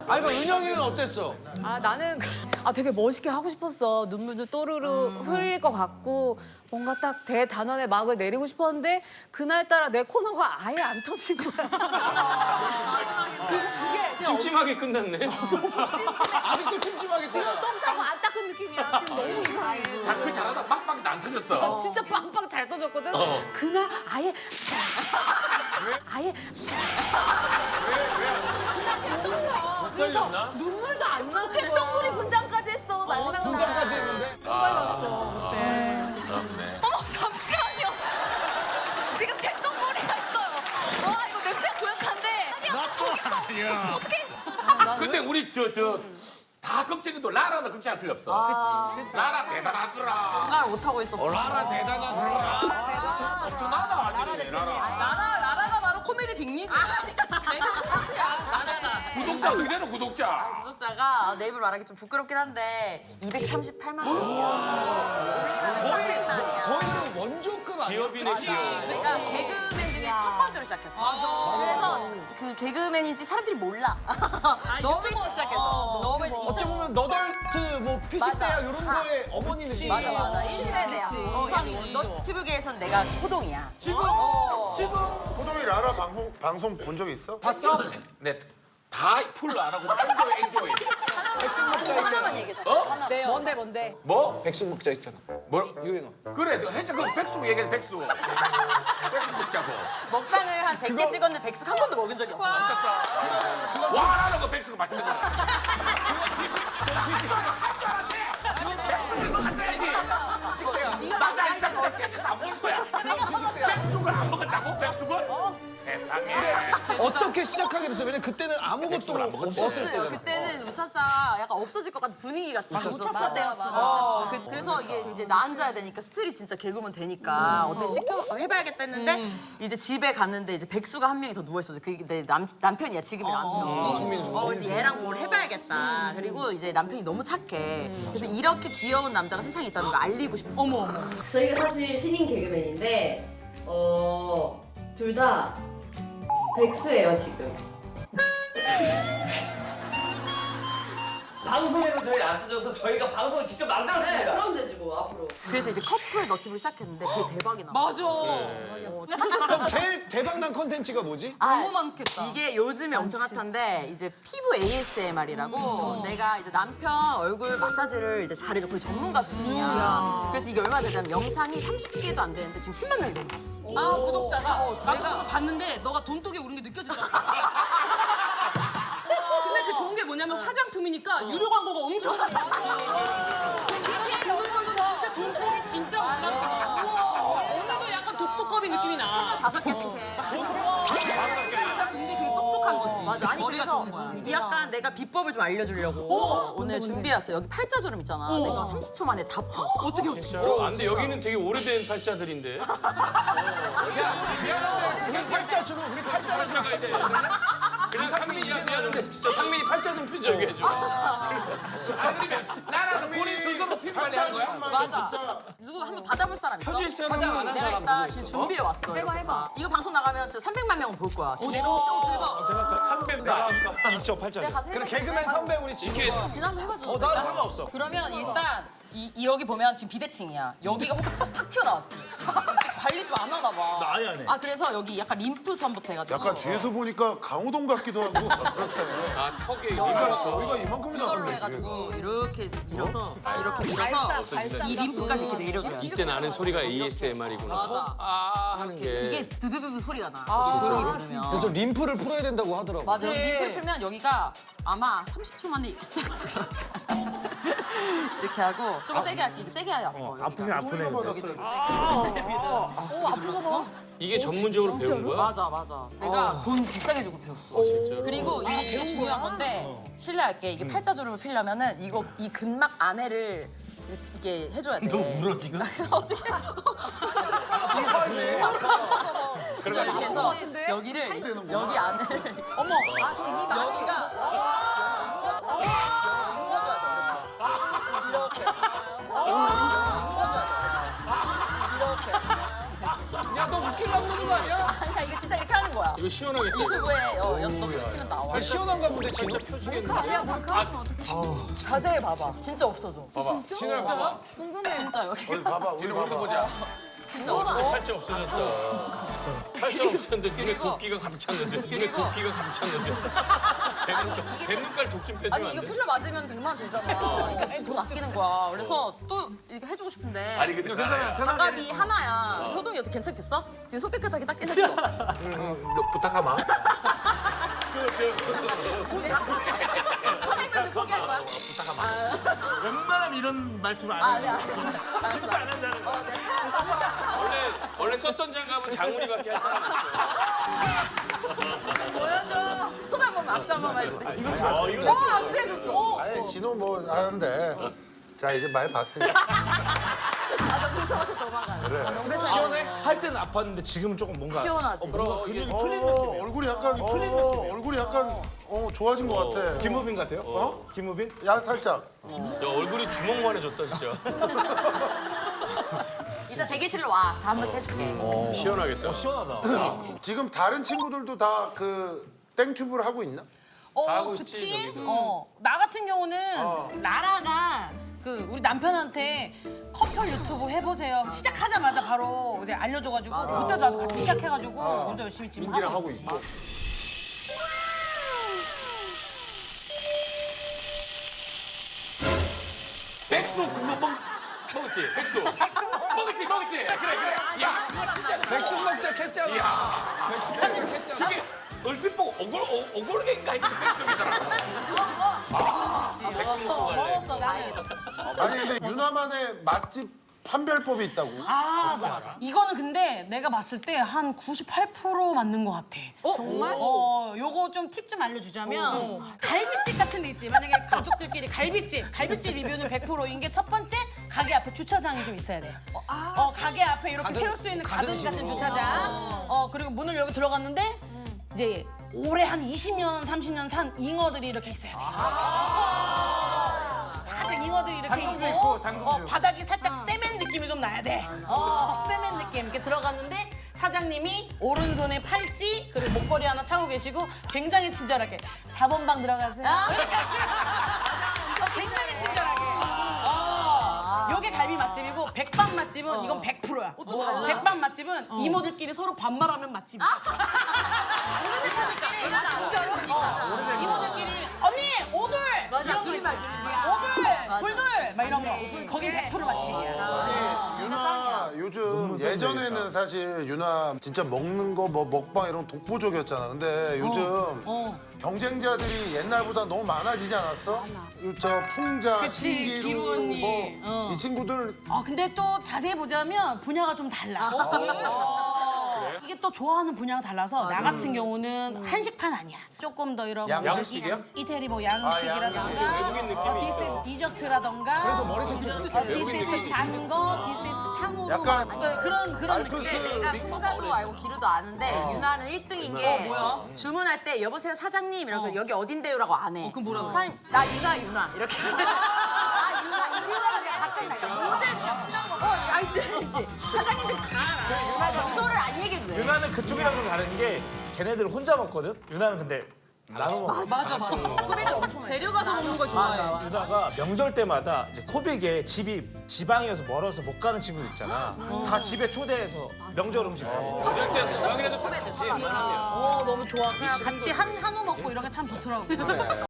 아 이거 은영이는 어땠어? 아 나는 되게 멋있게 하고 싶었어. 눈물도 또르르 흘릴 것 같고 뭔가 딱 대단원의 막을 내리고 싶었는데 그날따라 내 코너가 아예 안 터진 거야. 그게 찜찜하게 끝났네. 아직도 찜찜하게 지금 짜. 똥 싸고 안 닦은 느낌이야. 지금 너무 이상해. 그 잘하다 빵빵 안 터졌어. 진짜 빵빵 잘 터졌거든. 그날 아예 싹 아예 싹 그냥 개똥이야. 그래서 눈물도 안 나서 쇳덩굴이 분장까지 했어. 난리 났다. 분장까지 했는데. 빨랐어 그때. 그렇네. 어머 잠시만요. 지금 개똥머리가 있어요. 와 이거 냄새 고약한데. 아니야. 어떻게? 근데 우리 다 걱정해도 라라는 걱정할 필요 없어. 라라 대단하더라. 말 못하고 있었어. 라라 대단하더라. 엄청나다 아니 라라. 나라가 바로 코미디 빅리그야. 내가 콘서트야. 나라가. 구독자 어떻게 되는 구독자? 구독자가 내 입으로 말하기 좀 부끄럽긴 한데 238만 원이야. 거의 원조급 아니야? 기업이네 기업. 내가 개그맨 중에 첫 번째로 시작했어. 그래서 그 개그맨인지 사람들이 몰라. 너무 일찍 시작해서. 너무 일찍. 어찌 보면 너덜트 뭐 피식대야 이런 거에 어머니 느낌. 맞아. 1세대야. 너튜브계에선 내가 호동이야. 지금 호동이 라라 방송 본 적 있어? 봤어? 네. 다 풀로 안 하고 엔조이. 백숙 먹자 있잖아. 네, 뭔데? 뭐? 백숙 먹자 있잖아. 뭐? 유행어. 그래, 해줘. 그 백숙 얘기해, 백숙. 백숙 먹자고. 먹방을 한 100개 찍었는데 백숙 한 번도 먹은 적이 없어. 없었어. 와, 나는 그 백숙 맛있는 거야. 백숙을 먹었어야지. 이거 맞아. 깨져서 안 먹을 거야. 백숙을 안 먹었다고? 백숙을? 세상에. 어떻게 시작하게 됐어? 왜냐면 그때는 아무것도 없었을 없어요. 때잖아. 그때는 우차사 약간 없어질 것 같은 분위기가 우차사 때였어. 그래서 이게 이제 나 앉아야 되니까 스트리 진짜 개그맨 되니까 어떻게 시켜 해봐야겠다 했는데 이제 집에 갔는데 이제 백수가 한 명이 더 누워 있었어. 그게 내 남편이야 지금의 남편. 그래서 얘랑 뭘 해봐야겠다. 그리고 이제 남편이 너무 착해. 그래서 이렇게 귀여운 남자가 세상에 있다는 걸 알리고 싶었어. 어머. 저희가 사실 신인 개그맨인데 둘 다 백수예요 지금. 방송에서 저희 안 써줘서 저희가 방송을 직접 만들었습니다. 그럼 되지 뭐 앞으로. 그래서 이제 커플 너튜브를 시작했는데 그게 대박이 나. 그럼 제일 대박난 컨텐츠가 뭐지? 너무 많겠다. 이게 요즘에 엄청 핫한데 이제 피부 ASMR이라고 내가 이제 남편 얼굴 마사지를 이제 잘해줘. 거의 전문가 수준이야. 그래서 이게 얼마나 되냐면 영상이 30개도 안 되는데 지금 10만 명이 넘었어. 구독자가 내가 봤는데 너가 돈독에 오른 게 느껴지더라고. 근데 그 좋은 게 뭐냐면 화장품이니까 유료 광고가 엄청 많아. 이렇게 보는 걸로 진짜 돈독이 진짜 올랐다. 오늘도 약간 독도컵이 느낌이 나. 5개씩 해. 근데 그게 똑똑한 거지. 맞아. 아니 머리가 그래서 좋은 거야. 약간 내가 비법을 좀 알려주려고 오늘 준비해왔어. 여기 팔자주름 있잖아. 내가 30초 만에 다 풀어. 어떻게 아, 근데 여기는 되게 오래된 팔자들인데. 우리 팔자 주면 우리 팔자를 좀 팔자가 돼. 그래서 상민이 미안한데 진짜 상민이 팔자 좀 펴줘 해줘. 상민이 나라는 본인 스스로 피부 관리하는 거야? 맞아. 누구 한번 받아볼 사람 있어? 펴져 있어요. 화장 안 한 내가 사람 일단 누구 지금 있어? 준비해 왔어. 해봐. 이거 방송 나가면 진짜 300만 명은 볼 거야. 진짜. 대박. 300다. 있죠 팔자. 내가 가서 그럼 해볼게. 개그맨 선배 우리 지금. 지난번 해봐줘. 나는 상관없어. 그러면 일단 이 여기 보면 지금 비대칭이야. 여기가 탁 튀어나왔지. 관리 좀 안 하나 봐. 나 아예 안 해. 아 그래서 여기 약간 림프선부터 해가지고. 약간 뒤에서 보니까 강호동 같기도 하고. 아, 턱에 여기가 이만큼이나 이걸로 나오네. 해가지고 이렇게 밀어서 이렇게 밀어서 이 림프까지 이렇게 내려줘야 돼. 이때 나는 소리가 ASMR이구나. 맞아. 아 하는 게. 이게 드드드드 소리가 나. 조용히 들으면. 그래서 림프를 풀어야 된다고 하더라고. 맞아. 림프를 풀면 여기가 아마 30초 만에 이렇게 싹 들어가. 이렇게 하고 좀 세게 할게. 이게 세게 해야 아파. 아프긴 아프네. 여기도 이렇게 세게. 눌러주고. 이게 전문적으로 배운 거야? 맞아. 내가 돈 비싸게 주고 배웠어. 진짜로? 그리고 이게 중요한 건데 실례할게. 이게 팔자주름을 피려면은 이 근막 안에를 이게 해줘야 돼. 너 울어 지금? 어떻게? 그래서 이렇게 해서 여기를 여기 안을 어머 여기가 펴줘야 돼. 이렇게 이렇게. 야 너 웃기려고 그러는 거 아니야? 아니야 이거 진짜 이렇게 하는 거야. 이거 시원하겠다. 유튜브에 너 치면 나와. 시원한가 본데 진짜 자세히 봐봐. 진짜 없어져. 신을 봐봐. 진짜 여기. 우리 봐봐. 우리 뒤로 봐봐. 보자. 진짜 없어. 팔자 없어졌다. 진짜. 팔자 없었는데 눈에 도끼가 가득 찼는데. 눈에 도끼가 가득 찼는데. 뱃눈깔 독좀 빼주면 아니 안 이거 돼? 필러 맞으면 100만 원 들잖아. 이게 돈 아끼는 거야. 그래서 또 이렇게 해주고 싶은데. 아니 근데 괜찮아. 장갑이 하나야. 효동이 어떻게 괜찮겠어? 지금 손 깨끗하게 닦긴 했어. 너 부탁하마. 선배님들 포기할 거야? 웬만하면 이런 말투를 안 아니야. 진짜 안 한다는 거. 내가 처음 봐서. 원래 썼던 장갑은 장훈이밖에 할 사람 없어. 보여줘. 손 한 번만 악수 한 번만 해주세요. 이거 악수해줬어. 아니 진호 뭐 하는데. 자 이제 많이 봤으니까. 나 무서워서 도망가. 그래. 시원해? 할 때는 아팠는데 지금은 조금 뭔가 시원하지. 뭔가 근육이 풀린 느낌이에요. 얼굴이 약간 얼굴이 약간 좋아진 것 같아. 김우빈 같아요? 김우빈? 야 살짝. 야 얼굴이 주먹만해졌다 진짜. 이따 대기실로 와. 다 한 번씩 해줄게. 시원하겠다. 시원하다. 지금 다른 친구들도 다 그 땡튜브를 하고 있나? 하고 있지, 그치? 저기도. 나 같은 경우는 라라가 그 우리 남편한테 커플 유튜브 해보세요. 시작하자마자 바로 이제 알려줘가지고 그때도 나도 같이 시작해가지고 우리도 열심히 지금 하고 있고. 백수 그거 먹었지? 백수. 먹었지? 그래. 야, 백숙 먹자 했잖아. 저게 얼핏 보고 오골개인가 했는데 백수이잖아. 백수 먹고 갈래. 먹었어 나는. 아니 근데 유나만의 맛집 판별법이 있다고. 이거는 근데 내가 봤을 때 한 98% 맞는 것 같아. 정말? 요거 좀 팁 좀 알려주자면 갈비집 같은 데 있지. 만약에 가족들끼리 갈비집 리뷰는 100%인 게 첫 번째 가게 앞에 주차장이 좀 있어야 돼. 가게 앞에 이렇게 세울 수 있는 가든 같은 주차장. 그리고 문을 열고 들어갔는데 이제 올해 한 20년, 30년 산 잉어들이 이렇게 있어야 돼. 살짝 잉어들이 이렇게 당근주 있고, 있고, 당근주. 바닥이 살짝 세멘 느낌이 좀 나야 돼. 세멘 느낌 이렇게 들어갔는데 사장님이 오른손에 팔찌 그리고 목걸이 하나 차고 계시고 굉장히 친절하게 4번 방 들어가세요. 굉장히 친절하게. 요게 갈비 맛집이고 백반 맛집은 이건 100%야. 백반 맛집은 이모들끼리 서로 반말하면 맛집이야. 이모들끼리 언니 오돌 맞아. 줄임말. 오돌 불돌 막 이런 거 거긴 100% 맛집이야. 아니 유나 요즘 예전에는 사실 유나 진짜 먹는 거 뭐 먹방 이런 거 독보적이었잖아. 근데 요즘 경쟁자들이 옛날보다 너무 많아지지 않았어? 저 풍자, 그치, 신기루 기루 언니. 뭐 이 친구들 근데 또 자세히 보자면 분야가 좀 달라. 이게 또 좋아하는 분야가 달라서 나 같은 경우는 한식판 아니야. 조금 더 이런 양식이야? 이태리 뭐 양식이라던가 외국인 느낌이 디스 이즈 디저트라던가 그래서 디스 이즈 단거, 디스 이즈 탕후루 약간 그런 느낌. 내가 풍자도 알고 기루도 아는데 유나는 1등인 게 주문할 때 여보세요 사장님 이러고 여기 어딘데요라고 안 해. 그럼 뭐라고? 사장님 나 유나 이렇게. 유나가 그냥 갑자기 나. 모델 그냥 친한 거. 알지. 사장님들 다 알아. 주소를 안 얘기해도 돼. 유나는 그쪽이랑 좀 다른 게 걔네들 혼자 먹거든? 유나는 근데 나눠 먹어. 맞아. 후배들 엄청 해. 데려가서 먹는 걸 좋아해. 유나가 명절 때마다 이제 코빅에 집이 지방이어서 멀어서 못 가는 친구들 있잖아. 다 집에 초대해서 명절 음식 다 먹어. 어릴 땐 지방이라도 같이 웬만하면. 너무 좋아. 그냥 같이 한우 먹고 이런 게 참 좋더라고.